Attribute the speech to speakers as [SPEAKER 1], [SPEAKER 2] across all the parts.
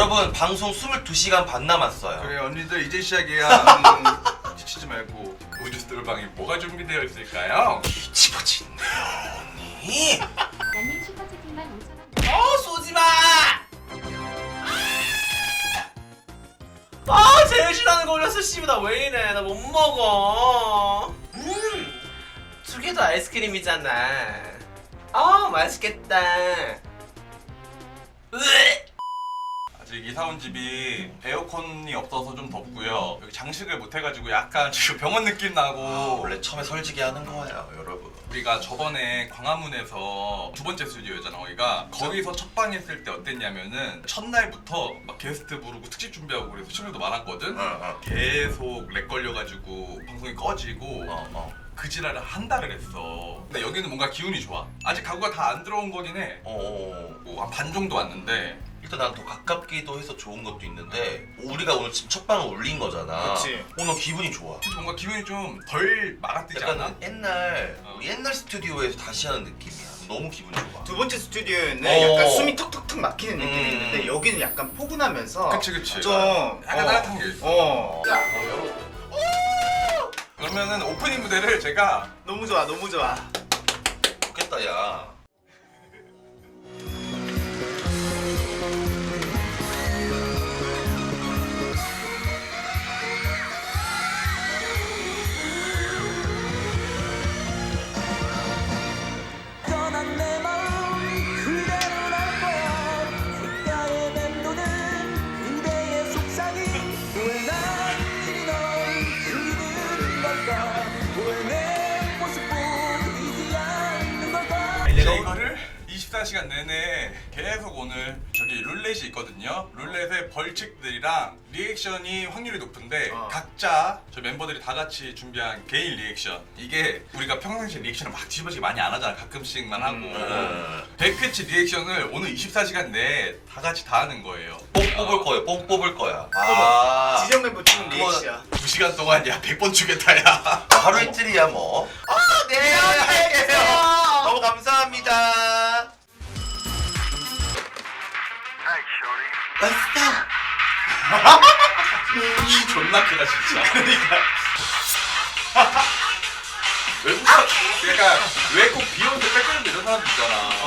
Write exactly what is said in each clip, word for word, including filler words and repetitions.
[SPEAKER 1] 여러분 방송 이십이 시간 반 남았어요.
[SPEAKER 2] 그래 언니들 이제 시작이야. 음, 지치지 말고. 우주 스토르방에 뭐가 준비되어 있을까요?
[SPEAKER 1] 뒤집어진네요 언니.
[SPEAKER 3] 나님 슈퍼채팅만 오천 원.
[SPEAKER 1] 어 쏘지마. 아 제일 싫어하는 거 올렸어. 씨발 나 왜 이래. 나 못 먹어. 음두 개 다 아이스크림이잖아. 아 맛있겠다. 으에.
[SPEAKER 2] 아직 이사 온 집이 에어컨이 없어서 좀 덥고요. 여기 장식을 못 해가지고 약간 지금 병원 느낌 나고.
[SPEAKER 1] 아, 원래 처음에 설지게 하는 거예요 여러분.
[SPEAKER 2] 우리가 저번에 광화문에서 두 번째 스튜디오였잖아 거기가. 거기서 첫 방 했을 때 어땠냐면은 첫날부터 막 게스트 부르고 특집 준비하고 그래서 친구들도 많았거든.
[SPEAKER 1] 어, 어.
[SPEAKER 2] 계속 렉 걸려가지고 방송이 꺼지고
[SPEAKER 1] 어, 어.
[SPEAKER 2] 그 지랄을 한 달을 했어. 근데 여기는 뭔가 기운이 좋아. 아직 가구가 다 안 들어온 거긴 해.
[SPEAKER 1] 어, 어.
[SPEAKER 2] 뭐 한 반 정도 왔는데.
[SPEAKER 1] 일단 난 더 가깝기도 해서 좋은 것도 있는데 우리가 오늘 지금 첫 방을 올린 거잖아.
[SPEAKER 4] 그치.
[SPEAKER 1] 오늘 기분이 좋아.
[SPEAKER 2] 그래서 뭔가 기분이 좀 덜 막아뜨지 않아?
[SPEAKER 1] 약간 옛날
[SPEAKER 2] 어.
[SPEAKER 1] 우리 옛날 스튜디오에서 다시 하는 느낌이야. 너무 기분 좋아.
[SPEAKER 4] 두 번째 스튜디오에는
[SPEAKER 1] 어.
[SPEAKER 4] 약간 숨이 턱턱턱 막히는 느낌이
[SPEAKER 1] 음.
[SPEAKER 4] 있는데 여기는 약간 포근하면서
[SPEAKER 2] 그치 그치.
[SPEAKER 4] 좀
[SPEAKER 2] 약간
[SPEAKER 4] 어.
[SPEAKER 2] 따뜻한 게 있어.
[SPEAKER 4] 어.
[SPEAKER 1] 자, 어, 여러분.
[SPEAKER 2] 그러면은 오프닝 무대를 제가
[SPEAKER 4] 너무 좋아 너무 좋아.
[SPEAKER 1] 좋겠다 야.
[SPEAKER 5] 떠난 내 마음 그대로 날 거야. 귓가에 맴도는 그대의 속삭임. 왜 난이 널 그리는 걸까? 왜 내 모습 보이지 않는 걸까?
[SPEAKER 2] 내가 이거를 이십사 시간 내내 계속 오늘 저기 룰렛이 있거든요. 룰렛의 벌칙들이랑 리액션이 확률이 높은데
[SPEAKER 4] 어.
[SPEAKER 2] 각자 저 멤버들이 다 같이 준비한 개인 리액션. 이게 우리가 평상시에 리액션을 막 뒤집어지게 많이 안 하잖아. 가끔씩만 하고.
[SPEAKER 1] 음.
[SPEAKER 2] 백 회치 리액션을 오늘 이십사 시간 내에 다 같이 다 하는 거예요.
[SPEAKER 1] 뽕 뽑을 거예요. 뽕 뽑을 거야. 아.
[SPEAKER 4] 지정 멤버 찍은
[SPEAKER 1] 그거-
[SPEAKER 4] 리액션.
[SPEAKER 2] 두 시간 동안 야 백 번 주겠다 야.
[SPEAKER 1] 하루 이틀이야 뭐. 아, 네. 할게요. 너무 감사합니다. 맛있다.
[SPEAKER 2] 키 존나 크다 진짜.
[SPEAKER 1] 그러니까.
[SPEAKER 2] 외국 사 그러니까 왜 꼭 비욘세 백그라운드 이런 사람들 있잖아.
[SPEAKER 4] 어.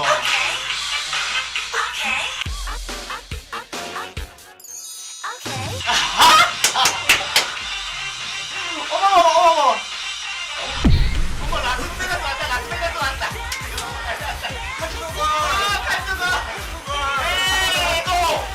[SPEAKER 1] 어머 어머 어머.
[SPEAKER 4] 어머 라스베가스 왔다 라스베가스 왔다. 같이 먹어. 같이 먹어. 에이 고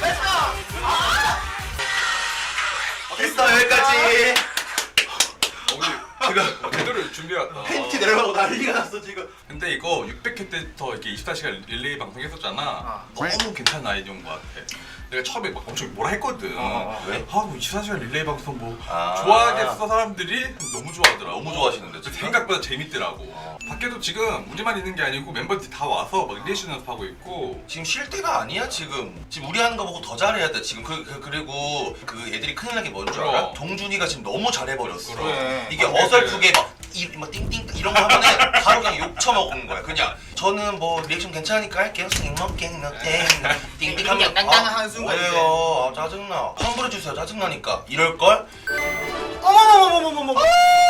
[SPEAKER 4] 렛츠고.
[SPEAKER 1] 됐어 여기까지.
[SPEAKER 2] 어, 우리 제가 제대로 준비해왔다.
[SPEAKER 1] 팬티 내려가고 난리가 났어 지금.
[SPEAKER 2] 근데 이거 육백 회 때부터 이렇게 이십사 시간 릴레이 방송 했었잖아.
[SPEAKER 4] 어.
[SPEAKER 2] 너무 괜찮은 아이디어인 것 같아. 내가 처음에 막 엄청 뭐라 했거든.
[SPEAKER 4] 어, 어, 어.
[SPEAKER 1] 왜?
[SPEAKER 2] 아, 뭐 이십사 시간 릴레이 방송 뭐
[SPEAKER 1] 아.
[SPEAKER 2] 좋아하겠어 사람들이 너무 좋아하더라고.
[SPEAKER 1] 너무 좋아하시는데,
[SPEAKER 2] 그래서
[SPEAKER 1] 진짜?
[SPEAKER 2] 생각보다 재밌더라고. 밖에도 지금 우리만 있는 게 아니고 멤버들이 다 와서 막 리액션 연습하고 있고.
[SPEAKER 1] 지금 쉴 때가 아니야 지금. 지금 우리 하는 거 보고 더 잘해야 돼 지금. 그, 그 그리고 그 애들이 큰일 나게 뭔 줄 알아?
[SPEAKER 2] 그럼.
[SPEAKER 1] 동준이가 지금 너무 잘해버렸어.
[SPEAKER 4] 그래.
[SPEAKER 1] 이게
[SPEAKER 2] 아,
[SPEAKER 1] 어설프게 막, 이, 막 띵띵 이런 거 하면은 바로 그냥 욕 처먹는 거야. 그냥 저는 뭐 리액션 괜찮으니까 할게요. 싱먹갱 너땡 띵띵 하면
[SPEAKER 4] 땅땅땅 하는 순간 이제.
[SPEAKER 1] 왜요? 아, 짜증나. 환불해주세요. 짜증나니까. 이럴걸?
[SPEAKER 4] 어머머머머머머.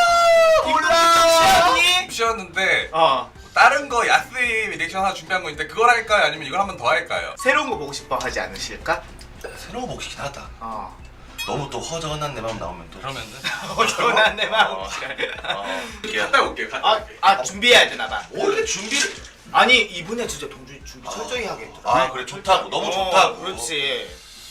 [SPEAKER 1] 몰라.
[SPEAKER 2] 쉬었는데
[SPEAKER 4] 어.
[SPEAKER 2] 다른 거 야스이 리액션 하나 준비한 거 있는데 그걸 할까요? 아니면 이걸 한 번 더 할까요?
[SPEAKER 4] 새로운 거 보고 싶어 하지 않으실까?
[SPEAKER 1] 새로운 거 보시긴 하다.
[SPEAKER 4] 어.
[SPEAKER 1] 너무 또 허전한 내 마음 나오면 또.
[SPEAKER 2] 그러면은
[SPEAKER 4] 어전한 내 마음.
[SPEAKER 1] 어. 어.
[SPEAKER 2] 갔다 올게요. 갔다
[SPEAKER 4] 아,
[SPEAKER 2] 올게요.
[SPEAKER 4] 아 준비해야 되나 봐.
[SPEAKER 1] 원래 준비를.
[SPEAKER 4] 아니 이분은 진짜 동준이 준비 철저히 하겠더라.
[SPEAKER 1] 아 그래 좋다고. 너무
[SPEAKER 4] 어,
[SPEAKER 1] 좋다고.
[SPEAKER 4] 그렇지.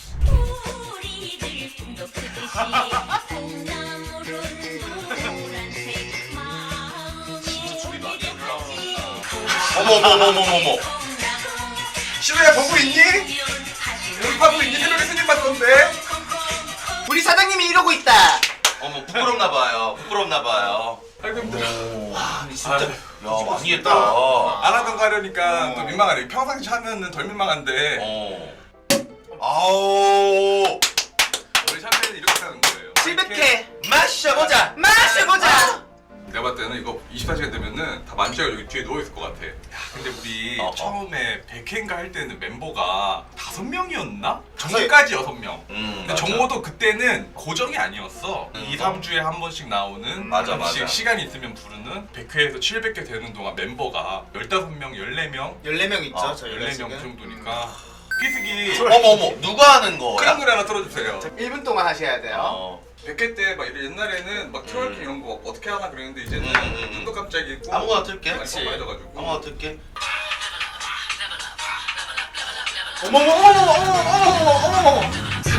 [SPEAKER 3] 우리들 꿈도 크듯이 콩나물은 노란색 마음에
[SPEAKER 1] 어머 어머 어머 어머 어머.
[SPEAKER 2] 시로야 보고 있니? 연습하고 있니? 새벽에 스님 봤던데?
[SPEAKER 4] 우리 사장님이 이러고 있다.
[SPEAKER 1] 어머 부끄럽나 봐요. 부끄럽나 봐요.
[SPEAKER 2] 아이고 힘들어.
[SPEAKER 4] 와, 진짜.
[SPEAKER 2] 아유,
[SPEAKER 1] 야 많이 했다.
[SPEAKER 2] 안 하던 거 하려니까
[SPEAKER 4] 어.
[SPEAKER 2] 또 민망하네. 평상시 하면은 덜 민망한데
[SPEAKER 1] 어. 아우.
[SPEAKER 2] 우리 샴페인은 이렇게 하는 거예요.
[SPEAKER 4] 칠백
[SPEAKER 2] 이렇게
[SPEAKER 4] 회
[SPEAKER 1] 마셔보자.
[SPEAKER 4] 마셔보자.
[SPEAKER 2] 내가 봤을 때는 이거 이십사 시간 되면은 다 만취하고 여기 뒤에 누워있을 것 같아. 야, 근데 우리
[SPEAKER 6] 어, 어.
[SPEAKER 2] 처음에 백 회인가 할 때는 멤버가 다섯 명이었나?
[SPEAKER 4] 다섯-
[SPEAKER 2] 정까지 여섯 명.
[SPEAKER 6] 음,
[SPEAKER 2] 근데
[SPEAKER 6] 맞아.
[SPEAKER 2] 정모도 그때는 고정이 아니었어.
[SPEAKER 6] 음,
[SPEAKER 2] 이, 삼 주에 한 번씩 나오는
[SPEAKER 6] 맞아,
[SPEAKER 2] 시-
[SPEAKER 6] 맞아.
[SPEAKER 2] 시간이 있으면 부르는 백 회에서 칠백 회 되는 동안 멤버가 열다섯 명, 열네 명,
[SPEAKER 4] 열네 명 있죠
[SPEAKER 6] 어,
[SPEAKER 4] 저희가
[SPEAKER 2] 열네 명
[SPEAKER 4] 지금.
[SPEAKER 2] 정도니까 피스기
[SPEAKER 6] 어머 어머 누가 하는
[SPEAKER 2] 그런
[SPEAKER 6] 거야?
[SPEAKER 2] 노래 하나 틀어주세요.
[SPEAKER 4] 음. 일 분 동안 하셔야 돼요.
[SPEAKER 6] 어.
[SPEAKER 2] 백 회 때 막 옛날에는 막 트월킹
[SPEAKER 6] 음.
[SPEAKER 2] 이런 거 어떻게 하나 그랬는데 이제는
[SPEAKER 6] 음, 음, 음.
[SPEAKER 2] 눈도 깜짝이고
[SPEAKER 6] 아무거나 틀게.
[SPEAKER 2] 많이 뻔뻔해져가지고.
[SPEAKER 6] 아무거나 틀게.
[SPEAKER 4] 어머머 어머머 어머머 어머머 어머머.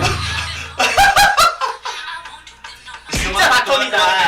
[SPEAKER 4] 진짜 바톤이다.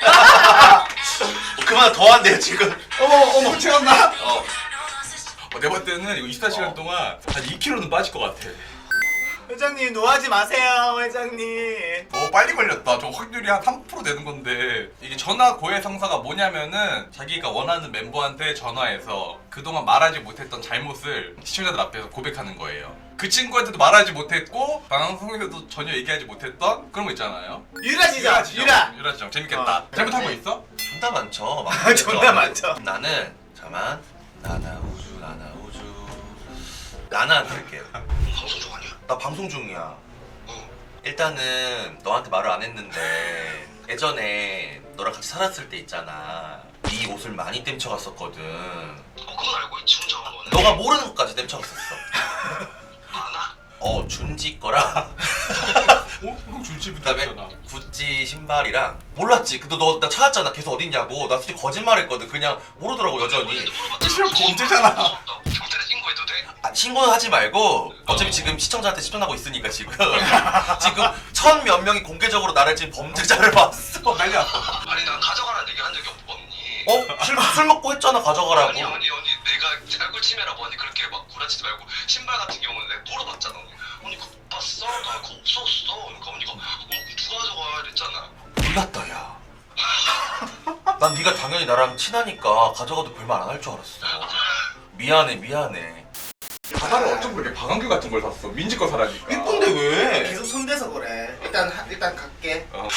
[SPEAKER 6] 그만 더 한대요 지금.
[SPEAKER 4] 어머 어머 채웠나?
[SPEAKER 6] 어.
[SPEAKER 2] 어, 내가 볼 때는 이거 이십사 시간
[SPEAKER 6] 어.
[SPEAKER 2] 동안 한 이 킬로그램는 빠질 것 같아.
[SPEAKER 4] 회장님 노하지 마세요 회장님.
[SPEAKER 2] 어 빨리 걸렸다. 저 확률이 한 삼 퍼센트 되는 건데 이게 전화 고해성사가 뭐냐면은 자기가 원하는 멤버한테 전화해서 그동안 말하지 못했던 잘못을 시청자들 앞에서 고백하는 거예요. 그 친구한테도 말하지 못했고 방송에서도 전혀 얘기하지 못했던 그런 거 있잖아요.
[SPEAKER 4] 유라지죠
[SPEAKER 2] 지정.
[SPEAKER 4] 유라.
[SPEAKER 2] 유라 지정 재밌겠다.
[SPEAKER 4] 어,
[SPEAKER 2] 잘못한 거
[SPEAKER 4] 그렇지.
[SPEAKER 2] 있어?
[SPEAKER 6] 존나 많죠.
[SPEAKER 4] 아, 존나 많죠.
[SPEAKER 6] 나는 잠만 나나 우주 나나 우주 나나한테 할게요.
[SPEAKER 7] 방송 중 아니야?
[SPEAKER 6] 나 방송 중이야.
[SPEAKER 7] 어.
[SPEAKER 6] 일단은 너한테 말을 안 했는데 예전에 너랑 같이 살았을 때 있잖아. 네 옷을 많이 땜쳐갔었거든.
[SPEAKER 7] 어 그건 알고 있지 혼자 한 거는.
[SPEAKER 6] 너가 모르는 것까지 땜쳐갔었어.
[SPEAKER 7] 많아?
[SPEAKER 6] 어 준지 거랑
[SPEAKER 2] 어? 그럼 줄지부터
[SPEAKER 6] 그다음에
[SPEAKER 2] 했잖아.
[SPEAKER 6] 구찌 신발이랑 몰랐지. 근데 너 나 찾았잖아. 계속 어딨냐고. 나 솔직히 거짓말했거든. 그냥 모르더라고 여전히.
[SPEAKER 2] 실력 범죄잖아.
[SPEAKER 7] 경찰에 신고해도 돼?
[SPEAKER 6] 아, 신고는 하지 말고 어차피 지금 시청자한테 시청하고 있으니까 지금 지금 천 몇 명이 공개적으로 나를 지금 범죄자를 봤어.
[SPEAKER 2] 난리 났어.
[SPEAKER 7] 아니 난 가져가라는 얘기 한 적이 없- 없니?
[SPEAKER 6] 어? 술, 술 먹고 했잖아 가져가라고.
[SPEAKER 7] 아니 언니 언니 내가 알고 치매라고 언니 그렇게 막 구라치지 말고 신발 같은 경우는 내가 물어봤잖아 언니. 언니 그거 못 봤어? 나 그거 없었어. 그러니까 언니가 어 누가 가져가 이랬잖아.
[SPEAKER 6] 몰랐다 야. 난 네가 당연히 나랑 친하니까 가져가도 별말 안 할 줄 알았어. 미안해 미안해.
[SPEAKER 2] 바다를 어쩜 그렇게 방한규 같은 걸 샀어. 민지 거 사라니까.
[SPEAKER 6] 이쁜데 왜?
[SPEAKER 4] 계속 손대서 그래. 일단 하- 일단 갈게.
[SPEAKER 2] 어.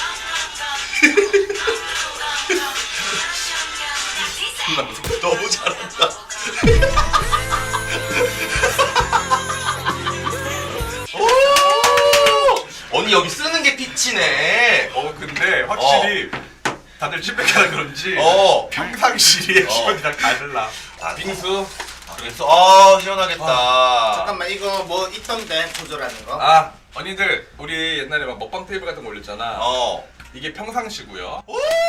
[SPEAKER 6] 너무 잘한다. 오! 언니 여기 쓰는 게 피치네.
[SPEAKER 2] 어 근데 확실히 다들 칠백하라 그런지
[SPEAKER 6] 어.
[SPEAKER 2] 평상시에
[SPEAKER 6] 어.
[SPEAKER 2] 기분이랑 다르라.
[SPEAKER 6] 아,
[SPEAKER 2] 빙수.
[SPEAKER 6] 그래서 아 시원하겠다.
[SPEAKER 4] 잠깐만 이거 뭐 있던데 조절하는 거.
[SPEAKER 2] 아 언니들 우리 옛날에 막 먹방 테이블 같은 거 올렸잖아.
[SPEAKER 6] 어.
[SPEAKER 2] 이게 평상시고요.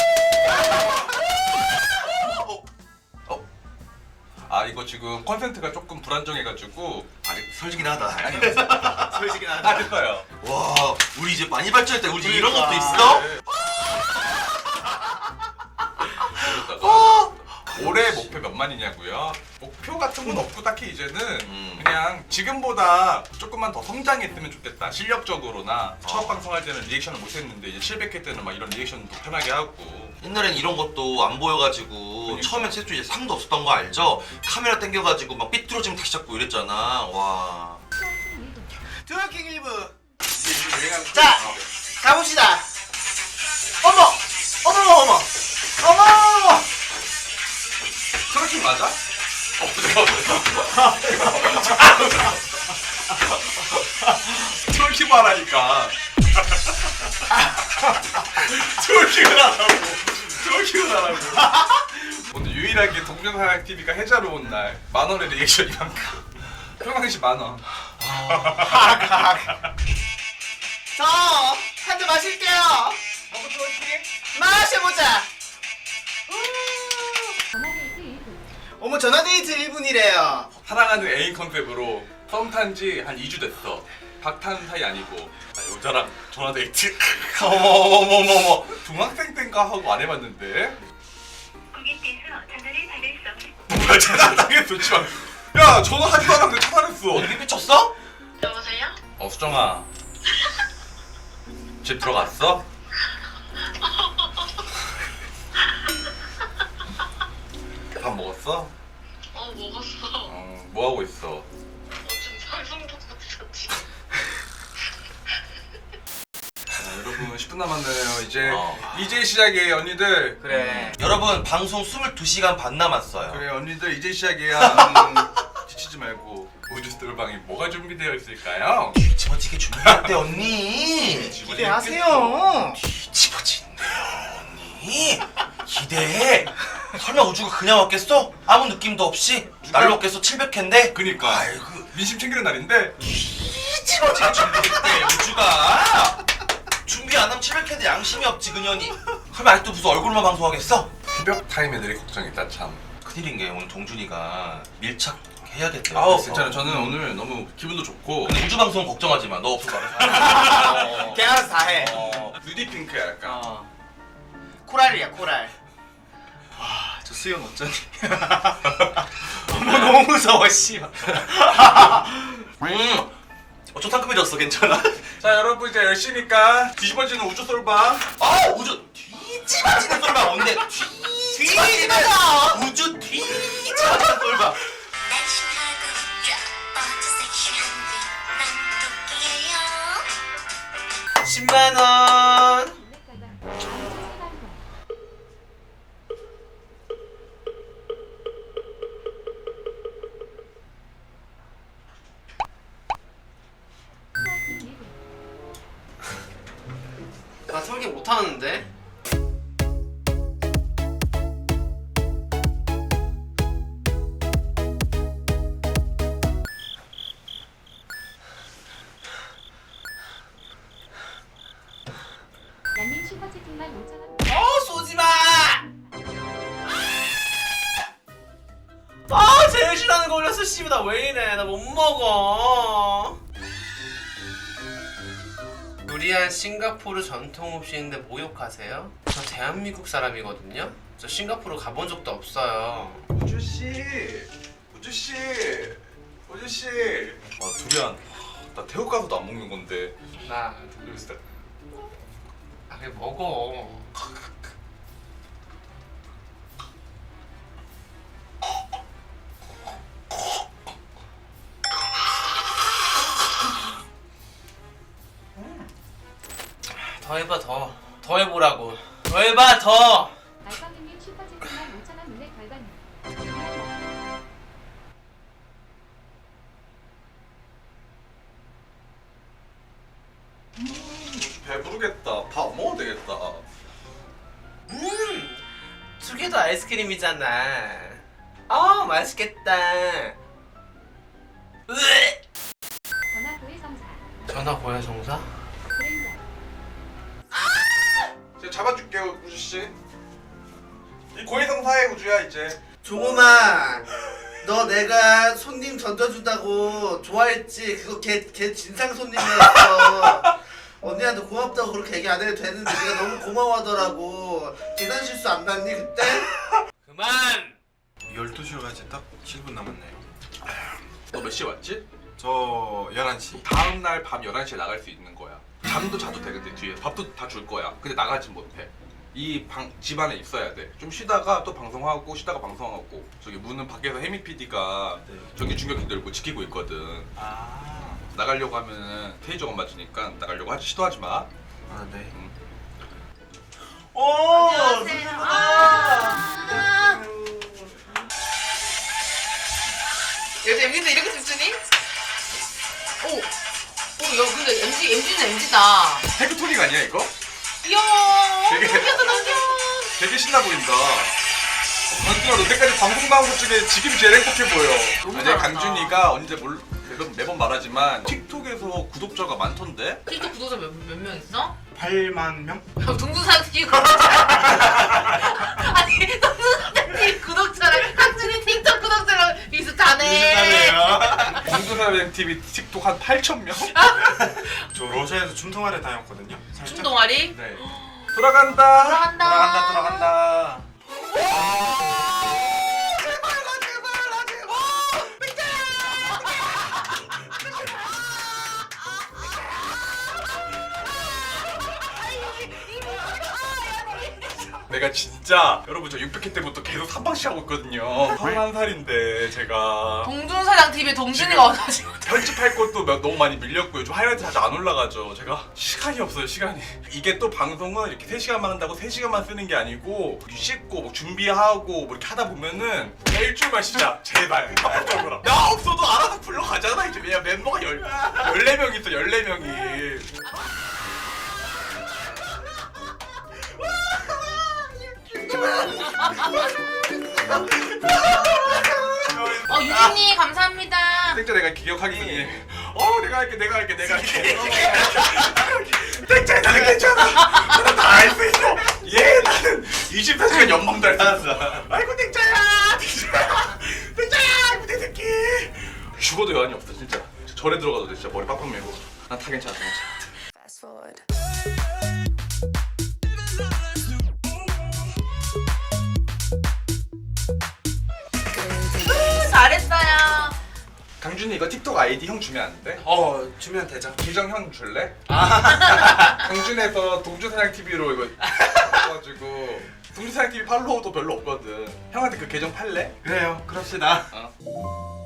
[SPEAKER 6] 어.
[SPEAKER 2] 아 이거 지금 컨센트가 조금 불안정해가지고
[SPEAKER 6] 아니 설지긴 하다.
[SPEAKER 4] 솔직히 나.
[SPEAKER 2] 다 됐어요.
[SPEAKER 6] 와 우리 이제 많이 발전했다. 우리 이제 이런
[SPEAKER 4] 그러니까.
[SPEAKER 6] 것도 있어?
[SPEAKER 2] 네. 모르다가 올해 목표 몇 만이냐고요? 목표 같은 건 없고 딱히 이제는
[SPEAKER 6] 음.
[SPEAKER 2] 그냥 지금보다 조금만 더 성장했으면 좋겠다. 실력적으로나
[SPEAKER 6] 어.
[SPEAKER 2] 첫 방송할 때는 리액션을 못했는데 이제 칠백 회 때는 막 이런 리액션도 편하게 하고.
[SPEAKER 6] 옛날엔 이런 것도 안 보여가지고
[SPEAKER 2] 그러니까.
[SPEAKER 6] 처음에 최초 이제 상도 없었던 거 알죠? 카메라 당겨가지고 막 삐뚤어지면 다시 잡고 이랬잖아. 와.
[SPEAKER 4] 트월킹 일 분. 자 가봅시다. 어머 어머 어머 어머.
[SPEAKER 2] 트래킹 맞아? 어, 트래킹 말하니까. 트래킹을 하라고. 트래킹을 하라고. 오늘 유일하게 동전사랑 티비가 해자로 온 날 만 원의 리액션이 만큼. 평상시 만 원.
[SPEAKER 4] 저 한 잔 마실게요.
[SPEAKER 2] 먹고 트래킹?
[SPEAKER 4] 마셔보자.
[SPEAKER 3] 전화데이트 일 분.
[SPEAKER 4] 어머 전화데이트 일 분이래요.
[SPEAKER 2] 사랑하는 애인 컨셉으로 썸 탄 지 한 이 주 됐어. 박탄 사이 아니고 나 여자랑 전화 데이트.
[SPEAKER 6] 어머머머머머.
[SPEAKER 2] 중학생 땐가 하고 안 해봤는데.
[SPEAKER 3] 고객께서 전화를 받을 수 없는
[SPEAKER 2] 뭐야 차단당했어 지금. 야 전화하지도 않았는데 차단했어.
[SPEAKER 6] 어디 미쳤어?
[SPEAKER 3] 여보세요?
[SPEAKER 2] 어 수정아. 집 들어갔어? 밥 먹었어?
[SPEAKER 3] 어 먹었어.
[SPEAKER 2] 어, 뭐 하고 있어?
[SPEAKER 3] 어 지금 방송 보고 있었지.
[SPEAKER 2] 자, 여러분 분 남았네요. 이제
[SPEAKER 6] 어.
[SPEAKER 2] 이제 시작이에요, 언니들.
[SPEAKER 4] 그래.
[SPEAKER 6] 여러분 방송 스물두 시간 반 남았어요.
[SPEAKER 2] 그래, 언니들 이제 시작이야. 음, 지치지 말고. 우주 스토방에 뭐가 준비되어 있을까요?
[SPEAKER 6] 뒤집어지게 준비했대 언니.
[SPEAKER 4] 기대하세요.
[SPEAKER 6] 뒤집어진대요 언니. 기대해. 설마 우주가 그냥 왔겠어? 아무 느낌도 없이 날로 왔겠어. 칠백 회인데.
[SPEAKER 2] 그니까.
[SPEAKER 6] 아이고
[SPEAKER 2] 민심 챙기는 날인데.
[SPEAKER 6] 뒤집어지게 준비했대 우주가. 준비 안 하면 칠백 회인데 양심이 없지 그년이. 그럼 아직도 무슨 얼굴만 방송하겠어?
[SPEAKER 2] 새벽 타임 애들이 걱정이다 참.
[SPEAKER 6] 큰일인 게 오늘 동준이가 밀착해야겠대.
[SPEAKER 2] 아우 괜찮아. 저는 오늘 너무 기분도 좋고.
[SPEAKER 6] 근데 우주 방송 걱정하지 마. 너 없을 거야.
[SPEAKER 4] 걔 알아서 다 해.
[SPEAKER 6] 어.
[SPEAKER 2] 누디핑크야 약간.
[SPEAKER 4] 어. 코랄이야 코랄. 와, 저 수영 어쩌니? 어머 너무 무서워 씨발.
[SPEAKER 6] 음. 어, 좀 상큼해졌어. 괜찮아?
[SPEAKER 2] 자 여러분 이제 열시니까 뒤집어지는 우주 솔방.
[SPEAKER 6] 아 우주 뒤집어지는 꼴봐. 뭔데? 뒤집어지는 우주 뒤집어지는 꼴봐.
[SPEAKER 3] 날씬하고 예뻐도 섹시한 난 토끼예요.
[SPEAKER 1] 십만 원. 나 설계 못하는데?
[SPEAKER 3] 양님 슈퍼채팅만 오천 원.
[SPEAKER 1] 어 쏘지마! 아 제일 싫어하는 거 올렸어. 씨발 나 왜 이래. 나 못 먹어. 요리한 싱가포르 전통 음식인데 모욕하세요? 저 대한민국 사람이거든요? 저 싱가포르 가본 적도 없어요.
[SPEAKER 2] 우주 씨, 우주 씨, 우주 씨. 아 두리안. 나 태국 가서도 안 먹는 건데.
[SPEAKER 1] 나...
[SPEAKER 2] 여기서
[SPEAKER 1] 아 그래 먹어. 더 해봐 더. 더 해보라고. 더 해봐 더.
[SPEAKER 3] 알파님님 슈퍼채팅만 오천 원 눈에 결과님.
[SPEAKER 2] 배부르겠다. 밥 안 먹어도 되겠다.
[SPEAKER 1] 음, 두 개도 아이스크림이잖아. 아, 맛있겠다. 으에!
[SPEAKER 3] 전화 고해성사.
[SPEAKER 1] 전화 고야 정사?
[SPEAKER 3] 그랜저.
[SPEAKER 2] 제가 잡아줄게요, 우주 씨. 이 고해성사의 우주야 이제.
[SPEAKER 4] 종호마, 너 내가 손님 던져준다고 좋아했지? 그거 걔, 걔 진상 손님이었어. 언니한테 고맙다고 그렇게 얘기 안 해도 되는데 네가 너무 고마워하더라고. 계산 실수 안 봤니 그때?
[SPEAKER 1] 그만!
[SPEAKER 8] 열두 시로 가지 딱 칠 분 남았네요.
[SPEAKER 2] 너 몇 시에 왔지?
[SPEAKER 8] 저 열한 시.
[SPEAKER 2] 다음 날 밤 열한 시에 나갈 수 있는 거야. 잠도 자도 돼. 근데 뒤에 밥도 다 줄 거야. 근데 나가진 못해. 이 방 집안에 있어야 돼. 좀 쉬다가 또 방송하고 쉬다가 방송하고. 저기 문은 밖에서 혜미 피디가 전기 충격기 들고 지키고 있거든.
[SPEAKER 8] 아,
[SPEAKER 2] 나가려고 하면은 테이저건 맞으니까 나가려고 하지 시도하지 마.
[SPEAKER 8] 아 네.
[SPEAKER 2] 응.
[SPEAKER 4] 오,
[SPEAKER 9] 요새 엠지인데 이렇게 춤추니? 오! 오, 야, 근데 엠지, 엠지는 엠지다.
[SPEAKER 2] 헤그토닉 아니야 이거?
[SPEAKER 9] 이야,
[SPEAKER 2] 되게-
[SPEAKER 9] 넘겨서 넘겨.
[SPEAKER 2] 되게 신나 보인다. 강준아 너 때까지 방송 나온 것 중에 지금이 제일 행복해 보여.
[SPEAKER 9] 너무
[SPEAKER 2] 아니
[SPEAKER 9] 잘한다.
[SPEAKER 2] 강준이가 언제 몰 매번, 매번 말하지만 틱톡에서 구독자가 많던데?
[SPEAKER 9] 틱톡 구독자 몇, 몇 명 있어?
[SPEAKER 8] 팔만 명?
[SPEAKER 9] 야, 동두산 티비 구독자. 아니, 동두산 티비 구독자랑 강준이 틱톡 구독자랑 비슷하네.
[SPEAKER 2] 강준아 티비 틱톡 한 팔천 명?
[SPEAKER 8] 저 러시아에서 춤 동아리 다녔거든요. 살짝.
[SPEAKER 9] 춤 동아리?
[SPEAKER 2] 네. 돌아간다.
[SPEAKER 9] 돌아간다.
[SPEAKER 8] 돌아간다 돌아간다.
[SPEAKER 2] 내가 진짜 여러분 저 육백 회 때부터 계속 삼방씩 하고 있거든요. 서른한 살인데 제가
[SPEAKER 9] 동준사장 티비 동준이가 와가지고
[SPEAKER 2] 편집할 것도 몇- 너무 많이 밀렸고 요즘 하이라이트 자주 안 올라가죠. 제가 시간이 없어요, 시간이. 이게 또 방송은 이렇게 세 시간만 한다고 세 시간만 쓰는 게 아니고 씻고 뭐 준비하고 뭐 이렇게 하다 보면은 일주일만 쉬자. 제발. 합법적으로. 나 없어도 알아서 불러가잖아. 이제 왜냐 멤버가 열, 열네 명 있어, 열네 명이.
[SPEAKER 9] 어 유진님 감사합니다.
[SPEAKER 2] 땡자 내가 기억하겠니? 어 내가 할게 내가 할게 내가 할게 땡자 나는 괜찮아 나는 다 할 수 있어 예 나는 이십사 시간 연방도 할 수 있어 아이고 땡자야 땡자야 땡자야 아이고 내 새끼 죽어도 여한이 없어 진짜 절에 들어가도 돼 진짜 머리 빡빡 메고 난 다 괜찮아 다 괜찮아
[SPEAKER 5] Fast forward.
[SPEAKER 9] 잘했어요.
[SPEAKER 2] 강준이 이거 틱톡 아이디 형 주면 안 돼?
[SPEAKER 8] 어 주면 되죠.
[SPEAKER 2] 기정 형 줄래? 강준에서 동주사냥티비로 이거 해가지고 동주사냥티비 팔로워도 별로 없거든 형한테 그 계정 팔래?
[SPEAKER 8] 그래요. 그럽시다.
[SPEAKER 2] 어.